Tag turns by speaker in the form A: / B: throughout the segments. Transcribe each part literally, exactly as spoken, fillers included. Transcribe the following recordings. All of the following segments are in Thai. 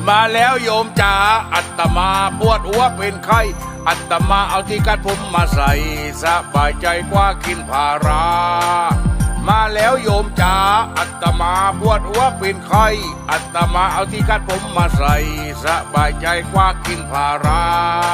A: มาแล้วโยมจ๋าอัตมาปวดหัวเป็นไข้อัตมาเอาที่กัดผมมาใส่สบายใจกว่ากินพารามาแล้วโยมจ๋าอัตมาปวดหัวเป็นไข้อัตมาเอาที่กัดผมมาใส่สบายใจกว่ากินพารา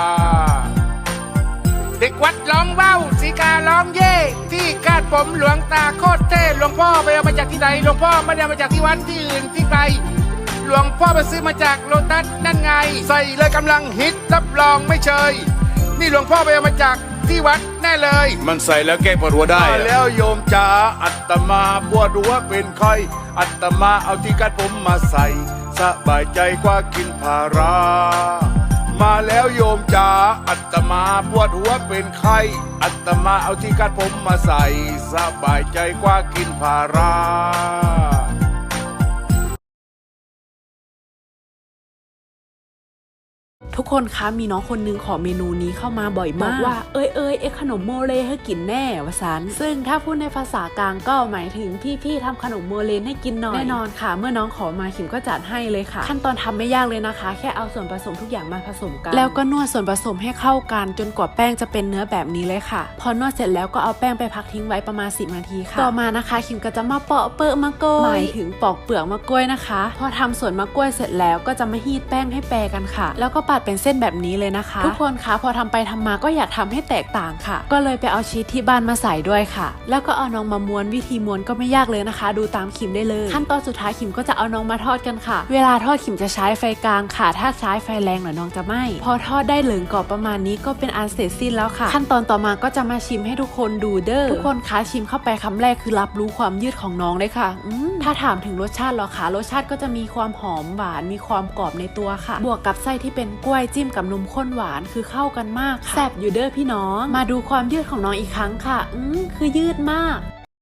A: เด็กวัดร้องเบ้าสีการ้องเย่ที่คาดผมหลวงตาโคตรเท่หลวงพ่อไปเอามาจากที่ไหนหลวงพ่อไม่ได้เอามาจากที่วัดที่อื่นที่ไกลหลวงพ่อไปซื้อมาจากโลตัสนั่นไงใส่เลยกำลังฮิตรับรองไม่เชยนี่หลวงพ่อไปเอามาจากที่วัดแน่เลยมันใส่แล้วแก้ปวดหัวได้แล้วโยมจ๋าอัตมาปวดหัวเป็นไข้อัตมาเอาที่กัดผมมาใส่สบายใจกว่ากินพารามาแล้วโยมจ๋าอัตมาปวดหัวเป็นไข้อัตมาเอาที่กัดผมมาใส่สบายใจกว่ากินพารา
B: ทุกคนคะมีน้องคนนึงขอเมนูนี้เข้ามาบ่อยมากบอกว่าเอ้ยเอ้ยเอ็กขนมโมเลให้กินแน่วะซันซึ่งถ้าพูดในภาษากลางก็หมายถึงพี่ๆทำขนมโมเลให้กินหน่อยแน่นอนค่ะเมื่อน้องขอมาขิมก็จัดให้เลยค่ะขั้นตอนทำไม่ยากเลยนะคะแค่เอาส่วนผสมทุกอย่างมาผสมกันแล้วก็นวดส่วนผสมให้เข้ากันจนกว่าแป้งจะเป็นเนื้อแบบนี้เลยค่ะพอนวดเสร็จแล้วก็เอาแป้งไปพักทิ้งไว้ประมาณสิบนาทีค่ะต่อมานะคะขิมก็จะมาเปาะเปลือกมะกล้วยหมายถึงปอกเปลือกมะกล้วยนะคะพอทำส่วนมะกล้วยเสร็จแล้วก็จะมาฮีทแป้งให้แปรกันค่ะแล้วก็ปาดเป็นเส้นแบบนี้เลยนะคะทุกคนคะพอทำไปทำมาก็อยากทำให้แตกต่างค่ะก็เลยไปเอาชีสที่บ้านมาใส่ด้วยค่ะแล้วก็เอาน้องมาม้วนวิธีม้วนก็ไม่ยากเลยนะคะดูตามขิมได้เลยขั้นตอนสุดท้ายขิมก็จะเอาน้องมาทอดกันค่ะเวลาทอดขิมจะใช้ไฟกลางค่ะถ้าใช้ไฟแรงหน่อยน้องจะไหม้พอทอดได้เหลืองกรอบประมาณนี้ก็เป็นอันเสร็จสิ้นแล้วค่ะขั้นตอนต่อมาก็จะมาชิมให้ทุกคนดูเด้อทุกคนคะชิมเข้าไปคำแรกคือรับรู้ความยืดของน้องเลยค่ะถ้าถามถึงรสชาติหรอคะรสชาติก็จะมีความหอมหวานมีความกรอบในตัวค่ะบวกกับไส้ที่เป็นกล้วยจิ้มกับนมข้นหวานคือเข้ากันมากค่ะแซ่บอยู่เด้อพี่น้องมาดูความยืดของน้องอีกครั้งค่ะอืมคือยืดมาก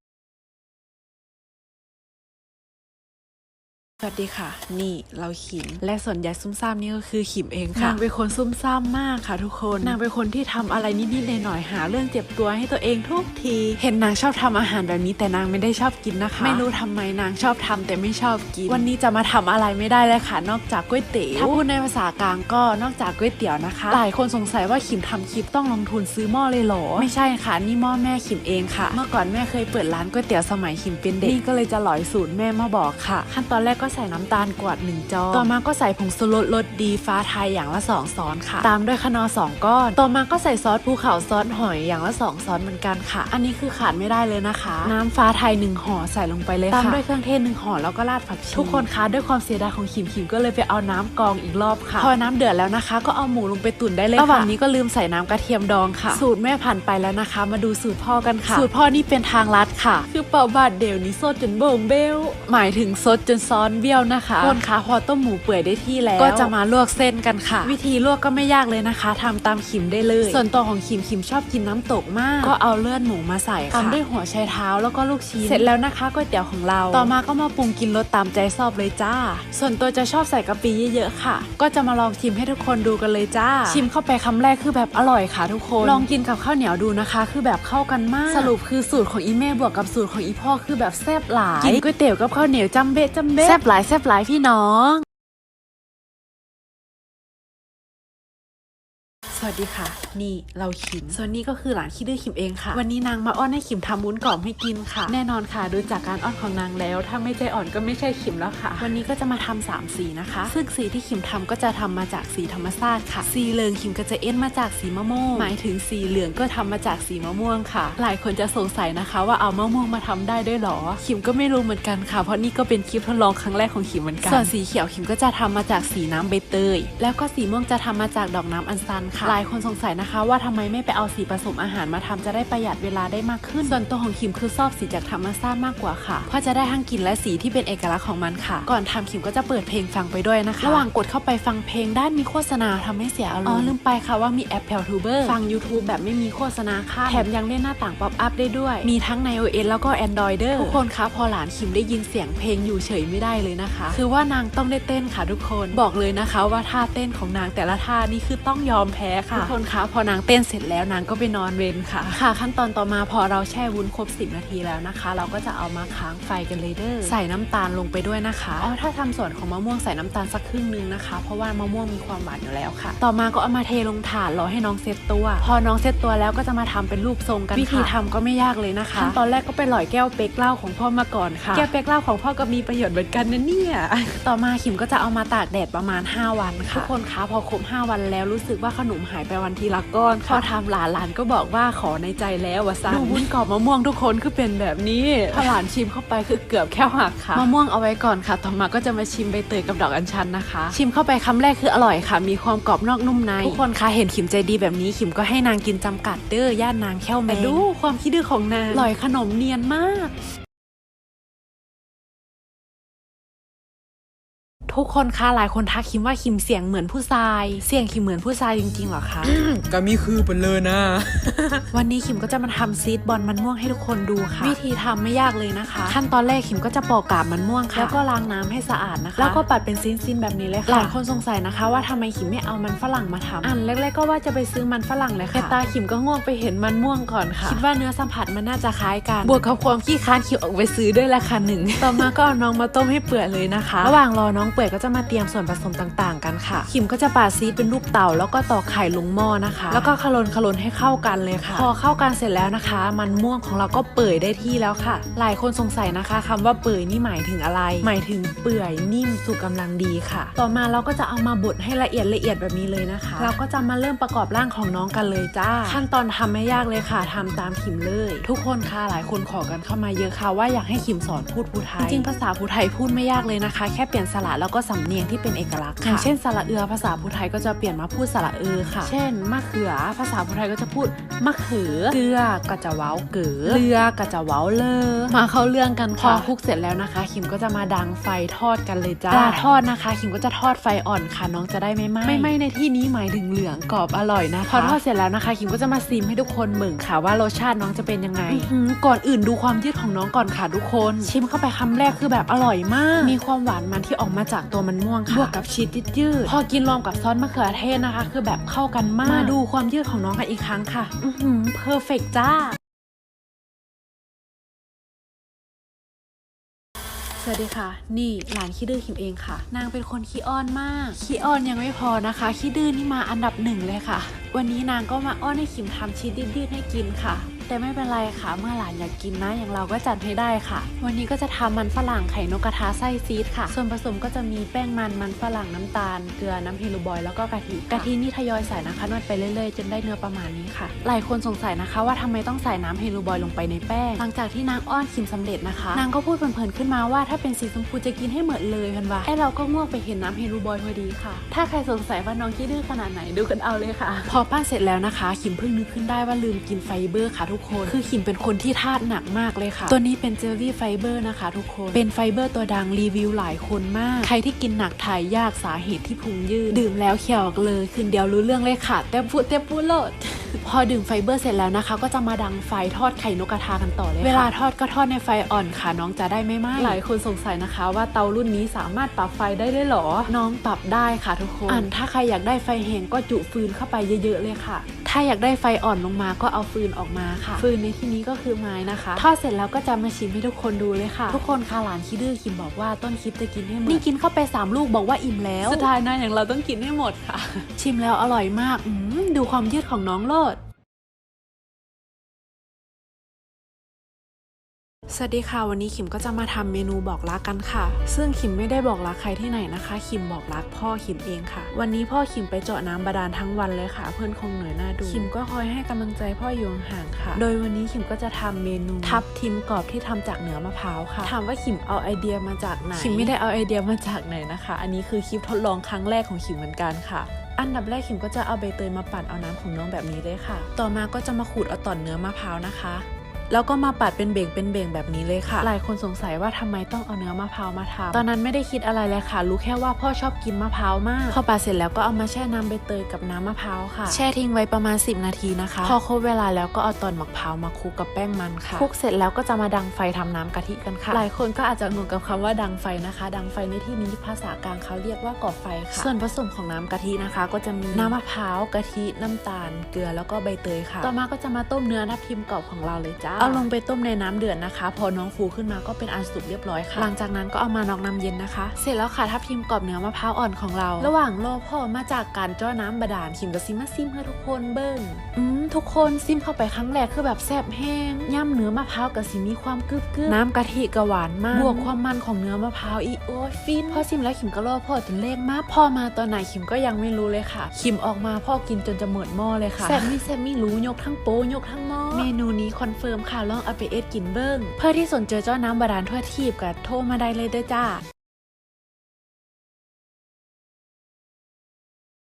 B: สวัสดีค่ะนี่เราขิมและส่วนใหญ่ซุ่มซ่ามนี่ก็คือขิมเองค่ะนางเป็นคนซุ่มซ่ามมากค่ะทุกคนนางเป็นคนที่ทำอะไรนิดๆหน่อยๆหาเรื่องเจ็บตัวให้ตัวเองทุกทีเห็นนางชอบทำอาหารแบบนี้แต่นางไม่ได้ชอบกินนะคะไม่รู้ทำไมนางชอบทำแต่ไม่ชอบกินวันนี้จะมาทำอะไรไม่ได้เลยค่ะนอกจากก๋วยเตี๋ยวถ้าพูดในภาษากลางก็นอกจากก๋วยเตี๋ยวนะคะหลายคนสงสัยว่าขิมทำคลิปต้องลงทุนซื้อหม้อเลยเหรอไม่ใช่ค่ะนี่หม้อแม่ขิมเองค่ะเมื่อก่อนแม่เคยเปิดร้านก๋วยเตี๋ยวสมัยขิมเป็นเด็กนี่ก็เลยจะหลอยสูตรแม่มาบอกค่ะขั้นตอนแรกก็ใส่น้ำตาลกวาดหนึ่งจานต่อมาก็ใส่ผงชูรสรสดีฟ้าไทยอย่างละสองช้อนค่ะตามด้วยคะนอสองก้อนต่อมาก็ใส่ซอสภูเขาซอสหอยอย่างละสองช้อนเหมือนกันค่ะอันนี้คือขาดไม่ได้เลยนะคะน้ำฟ้าไทยหนึ่งห่อใส่ลงไปเลยค่ะตามด้วยเครื่องเทศหนึ่งห่อแล้วก็ราดผักชีทุกคนคะด้วยความเสียดายของขิมขิมก็เลยไปเอาน้ำกรองอีกรอบค่ะพอน้ำเดือดแล้วนะคะก็เอาหมูลงไปตุ๋นได้เลยค่ะระหว่างนี้ก็ลืมใส่น้ำกระเทียมดองค่ะสูตรแม่ผ่านไปแล้วนะคะมาดูสูตรพ่อกันค่ะสูตรพ่อนี่เป็นทางลัดค่ะคือเป่าบาดเดี่ยวนี้สดจนโบ่งเบี้ยวหมายถึงสดจนซ้อนเบี้ยวนะคะคนคะพอต้มหมูเปื่อยได้ที่แล้วก็จะมาลวกเส้นกันค่ะวิธีลวกก็ไม่ยากเลยนะคะทำตามขิมได้เลยส่วนตัวของขิมขิมชอบกินน้ำตกมากก็เอาเลือดหมูมาใส่ค่ะตามด้วยหัวไชเท้าแล้วก็ลูกชิ้นเสร็จแล้วนะคะก๋วยเตี๋ยวของเราต่อมาก็มาปรุงกินรสตามใจชอบเลยจ้าส่วนตัวจะชอบใส่กะปิเยอะๆค่ะก็จะมาลองชิมให้ทุกคนดูกันเลยจ้าชิมเข้าไปคำแรกคือแบบอร่อยค่ะทุกคนลองกินกับข้าวเหนียวดูนะคะคือแบบเข้ากันมากสรุปคือสูตรของอีแม่บวกกับสูตรของอีพ่อคือแบบแซ่บหลายกินก๋วยเตี๋ยวกับข้าวเหนียวจำเบ๊ะจำเบ๊ะแซ่บหลายแซ่บหลายพี่น้องสวัสดีค่ะนี่เราขิมส่วนนี้ก็คือหลานขี้ดื้อขิมเองค่ะวันนี้นางมาอ้อนให้ขิมทำวุ้นกรอบให้กินค่ะแน่นอนค่ะดูจากการอ้อนของนางแล้วถ้าไม่ใจอ่อนก็ไม่ใช่ขิมแล้วค่ะวันนี้ก็จะมาทำสามสีนะคะซึ่งสีที่ขิมทำก็จะทำมาจากสีธรรมชาติค่ะสีเหลืองขิมก็จะเอ็นมาจากสีมะม่วงหมายถึงสีเหลืองก็ทำมาจากสีมะม่วงค่ะหลายคนจะสงสัยนะคะว่าเอามะม่วงมาทำได้ด้วยหรอขิมก็ไม่รู้เหมือนกันค่ะเพราะนี่ก็เป็นคลิปทดลองครั้งแรกของขิมเหมือนกันส่วนสีเขียวขิมก็จะทำมาจากสีน้ำใบเตยแล้วก็สีม่วงจะทำมาจากดอกน้ำอัญชันค่ะหลายคนสงสัยนะคะว่าทำไมไม่ไปเอาสีผสมอาหารมาทำจะได้ประหยัดเวลาได้มากขึ้นส่วนตัวของขิมคือชอบสีจากธรรมชาติมากกว่าค่ะเพราะจะได้ทั้งกลิ่นและสีที่เป็นเอกลักษณ์ของมันค่ะก่อนทำขิมก็จะเปิดเพลงฟังไปด้วยนะคะระหว่างกดเข้าไปฟังเพลงด้านมีโฆษณาทำให้เสียอารมณ์อ๋อลืมไปค่ะว่ามีแอปแพลทูเบอร์ฟัง YouTube แบบไม่มีโฆษณาค่ะแถมยังเล่นหน้าต่างป๊อปอัพได้ด้วยมีทั้งใน iOS แล้วก็ Android เด้อทุกคนคะพอหลานขิมได้ยินเสียงเพลงอยู่เฉยไม่ได้เลยนะคะคือว่านางต้องได้เต้นค่ะทุกคนบอกเลยนะคะว่าท่าเต้นของนางแต่ละท่านี่คือต้องยอมแพ้ค่ะทุกคนคะพอนางเต้นเสร็จแล้วนางก็ไปนอนเวรค่ะค่ะขั้นตอนต่อมาพอเราแช่วุ้นครบสิบนาทีแล้วนะคะเราก็จะเอามาค้างไฟกันเลยเด้อใส่น้ำตาลลงไปด้วยนะคะอ๋อถ้าทำส่วนของมะม่วงใส่น้ำตาลสักครึ่งนึงนะคะเพราะว่ามะม่วงมีความหวานอยู่แล้วค่ะต่อมาก็เอามาเทลงถาดรอให้น้องเซตตัวพอน้องเซตตัวแล้วก็จะมาทำเป็นรูปทรงกันวิธีทำก็ไม่ยากเลยนะคะขั้นตอนแรกก็ไปหล่อยแก้วเป๊กเหล้าของพ่อมาก่อนค่ะแก้วเป๊กเหล้าของพ่อก็มีประโยชน์เหมือนกันนะเนี่ยต่อมาขิมก็จะเอามาตากแดดประมาณห้าวันค่ะทุกคนคะพอครบห้าวันแล้วรู้สึกว่าขนมหายไปวันทีละก้อนพอทำหลานหลานก็บอกว่าขอในใจแล้วว่าซันดูวุ้นกรอบมะม่วงทุกคนคือเป็นแบบนี้พอหลานชิมเข้าไปคือเกือบแค่หักค่ะมะม่วงเอาไว้ก่อนค่ะต่อมาก็จะมาชิมใบเตยกับดอกอัญชันนะคะชิมเข้าไปคำแรกคืออร่อยค่ะมีความกรอบนอกนุ่มในทุกคนคะเห็นขิมใจดีแบบนี้ขิมก็ให้นางกินจำกัดเด้อย่านนางแค่วแมงดูความคิดดื้อของนางอร่อยขนมเนียนมากทุกคนคะหลายคนทักคิมว่าคิมเสียงเหมือนผู้ชายเสียงคิมเหมือนผู้ชายจริงๆหรอคะ
C: ก็มีคือเป็นเลยนะ
B: วันนี้คิมก็จะมาทำซีดบอลมันม่วงให้ทุกคนดูค่ะวิธีทำไม่ยากเลยนะคะขั้นตอนแรกคิมก็จะปอกกาบมันม่วงค่ะแล้วก็ล้างน้ำให้สะอาดนะคะแล้วก็ปัดเป็นซีนๆแบบนี้เลยค่ะหลายคนสงสัยนะคะว่าทำไมคิมไม่เอามันฝรั่งมาทำอันแรกๆก็ว่าจะไปซื้อมันฝรั่งเลยค่ะแต่ตาคิมก็ง่วงไปเห็นมันม่วงก่อนค่ะคิดว่าเนื้อสัมผัสมันน่าจะคล้ายกันบวกกับความขี้ค้านคิมออกไปซื้อด้วยราคาหนึ่งต่อมาก็เอาน้องมาต้มให้เปื่อยเลยนะคะระหว่างรอน้องเปื่อยก็จะมาเตรียมส่วนผสมต่างๆกันค่ะขิมก็จะปาดซีดเป็นรูปเต่าแล้วก็ตอกไข่ลงหม้อนะคะแล้วก็คลนคลนให้เข้ากันเลยค่ะพอเข้ากันเสร็จแล้วนะคะมันม่วงของเราก็เปื่อยได้ที่แล้วค่ะหลายคนสงสัยนะคะคำว่าเปื่อยนี่หมายถึงอะไรหมายถึงเปื่อยนิ่มสุกกำลังดีค่ะต่อมาเราก็จะเอามาบดให้ละเอียดละเอียดแบบนี้เลยนะคะเราก็จะมาเริ่มประกอบร่างของน้องกันเลยจ้าขั้นตอนทำไม่ยากเลยค่ะทำตามขิมเลยทุกคนค่ะหลายคนขอกันเข้ามาเยอะค่ะว่าอยากให้ขิมสอนพูดภูไทยจริงๆภาษาภูไทยพูดไม่ยากเลยนะคะแค่เปลี่ยนสระแล้วก็สำเนียงที่เป็นเอกลักษณ์อย่างเช่นสระเอือภาษาภูไทยก็จะเปลี่ยนมาพูดสระเออค่ะเช่นมะเขือภาษาภูไทยก็จะพูดมะเขือเกลือก็จะเว้าเก๋อเรือก็จะเว้าเลอมาเข้าเรื่องกันค่ะพอคลุกเสร็จแล้วนะคะขิมก็จะมาดังไฟทอดกันเลยจ้าเวลาทอดนะคะขิมก็จะทอดไฟอ่อนค่ะน้องจะได้ไม่ไหม้ไม่ไหม้ในที่นี้หมายถึงเหลืองกรอบอร่อยนะคะพอทอดเสร็จแล้วนะคะขิมก็จะมาซิมให้ทุกคนเหมือนค่ะว่ารสชาติน้องจะเป็นยังไงก่อนอื่นดูความยืดของน้องก่อนค่ะทุกคนชิมเข้าไปคำแรกคือแบบอร่อยมากมีความหวานมันที่ออกมาจากตัวมันม่วงค่ะบวกกับชีสยืดพอกินรวมกับซอสมะเขือเทศนะคะคือแบบเข้ากันมากมาดูความยืดของน้องกันอีกครั้งค่ะอือหือเพอร์เฟกต์จ้าสวัสดีค่ะนี่หลานขี้ดื้อขิมเองค่ะนางเป็นคนขี้อ้อนมากขี้อ้อนยังไม่พอนะคะขี้ดื้อนี่มาอันดับหนึ่งเลยค่ะวันนี้นางก็มาอ้อนให้ขิมทำชีสยืดๆให้กินค่ะแต่ไม่เป็นไรค่ะเมื่อหลานอยากกินนะอย่างเราก็จัดให้ได้ค่ะวันนี้ก็จะทำมันฝรั่งไข่นกกระทาไส้ซีดค่ะส่วนผสมก็จะมีแป้งมันมันฝรั่งน้ำตาลเกลือน้ำเฮลูบอยแล้วก็กะทิกะทินี่ทยอยใส่นะคะนวดไปเรื่อยๆจนได้เนื้อประมาณนี้ค่ะหลายคนสงสัยนะคะว่าทำไมต้องใส่น้ำเฮลูบอยลงไปในแป้งหลังจากที่นางอ้อนขิมสำเร็จนะคะนางก็พูดเพลินๆขึ้นมาว่าถ้าเป็นสีชมพูจะกินให้หมดเลยพันว่าไอเราก็ง่วงไปเห็นน้ำเฮลูบอยพอดีค่ะถ้าใครสงสัยว่าน้องขี้ดื้อขนาดไหนดูกันเอาเลยค่ะพอปั้นเสร็จแล้วนะคะขิมเพิ่งนึกขึ้นได้ว่าลืมกินไฟเบอร์ค่ะทุกคนคือขิมเป็นคนที่ธาตุหนักมากเลยค่ะตัวนี้เป็นเจลลี่ไฟเบอร์นะคะทุกคนเป็นไฟเบอร์ตัวดังรีวิวหลายคนมากใครที่กินหนักถ่ายยากสาเหตุที่พุงยืดดื่มแล้วเขียวเลยคืนเดียวรู้เรื่องเลยค่ะเต็มพูดเต็มพูดโลด พอดื่มไฟเบอร์เสร็จแล้วนะคะก็จะมาดังไฟทอดไข่นกกระทากันต่อเลยเวลาทอดก็ทอดในไฟอ่อนค่ะน้องจะได้ไม่ไหม้หลายคนสงสัยนะคะว่าเตารุ่นนี้สามารถปรับไฟได้ด้วยหรอน้องปรับได้ค่ะทุกคนอันถ้าใครอยากได้ไฟแห้งก็จุฟืนเข้าไปเยอะๆเลยค่ะถ้าอยากได้ไฟอ่อนลงมาก็เอาฟืนออกมาค่ะฟืนในที่นี้ก็คือไม้นะคะทอดเสร็จแล้วก็จะมาชิมให้ทุกคนดูเลยค่ะทุกคนค่ะหลานขี้ดื้อคิมบอกว่าต้นคลิปจะกินให้หมดนี่กินเข้าไปสามลูกบอกว่าอิ่มแล้วสุดท้ายนะอย่างเราต้องกินให้หมดค่ะชิมแล้วอร่อยมากดูความยืดของน้องโลด สวัสดีค่ะวันนี้ขิมก็จะมาทำเมนูบอกรักกันค่ะซึ่งขิมไม่ได้บอกรักใครที่ไหนนะคะขิมบอกรักพ่อขิมเองค่ะวันนี้พ่อขิมไปเจาะน้ำบาดาลทั้งวันเลยค่ะเพื่อนคงเหนื่อยหน้าดูขิมก็คอยให้กำลังใจพ่ออยู่ห่างค่ะโดยวันนี้ขิมก็จะทำเมนูทับทิมกรอบที่ทำจากเนื้อมะพร้าวค่ะถามว่าขิมเอาไอเดียมาจากไหนขิมไม่ได้เอาไอเดียมาจากไหนนะคะอันนี้คือคลิปทดลองครั้งแรกของขิมเหมือนกันค่ะอันดับแรกขิมก็จะเอาใบเตยมาปั่นเอาน้ำของน้องแบบนี้เลยค่ะต่อมาก็จะมาขูดเอาตอนเนื้อมะพร้าวนะคะแล้วก็มาปัดเป็นเบ่งเป็นเบ่งแบบนี้เลยค่ะหลายคนสงสัยว่าทำไมต้องเอาเนื้อมะพร้าวมาทำตอนนั้นไม่ได้คิดอะไรเลยค่ะรู้แค่ว่าพ่อชอบกินมะพร้าวมากพอปัดเสร็จแล้วก็เอามาแช่น้ำใบเตยกับน้ำมะพร้าวค่ะแช่ทิ้งไว้ประมาณสิบนาทีนะคะพอครบเวลาแล้วก็เอาตอนมะพร้าวมาคลุกกับแป้งมันค่ะคลุกเสร็จแล้วก็จะมาดังไฟทำน้ำกะทิกันค่ะหลายคนก็อาจจะงงกับคำว่าดังไฟนะคะดังไฟในที่นี้ภาษากลางเขาเรียกว่าก่อไฟค่ะส่วนผสมของน้ำกะทินะคะก็จะมีน้ำมะพร้าวกะทิน้ำตาลเกลือแล้วก็ใบเตยค่ะต่อมาก็จะมาต้มเนื้อทับทิมกรอบของเราเลยจ้าเอาลงไปต้มในน้ำเดือดนะคะพอน้องฟูขึ้นมาก็เป็นอันสุกเรียบร้อยค่ะหลังจากนั้นก็เอามานอกน้ำเย็นนะคะเสร็จแล้วค่ะทับทิมกรอบเนื้อมะพร้าวอ่อนของเราระหว่างรอพ่อมาจากการจ้อน้ำบาดาลขิมกับซิมาซิมให้ทุกคนเบิ้งอืมทุกคนซิมเข้าไปครั้งแรกคือแบบแซ่บแห้งย่ำเนื้อมะพร้าวกับซิมีความกรึบกรึบน้ำกะทิกะหวานมากบวกความมันของเนื้อมะพร้าวอีโอ้ยฟินพอซิมแล้วขิมก็รอพ่อจนเลขมากพ่อมาตอนไหนขิมก็ยังไม่รู้เลยค่ะขิมออกมาพ่อกินจนจะหมดหม้อเลยค่ะแซ่บมีแซ่บมีรู้ยกทั้งโป๊ยกทั้งหม้อเมนูนี้คอนเฟิร์มค่ะลองเอาไปเอ็ดกินเบิ้งเพื่อที่สนใจเจ้าน้ำบาดาลทั่วทีบกับโทรมาได้เลยเด้อจ้า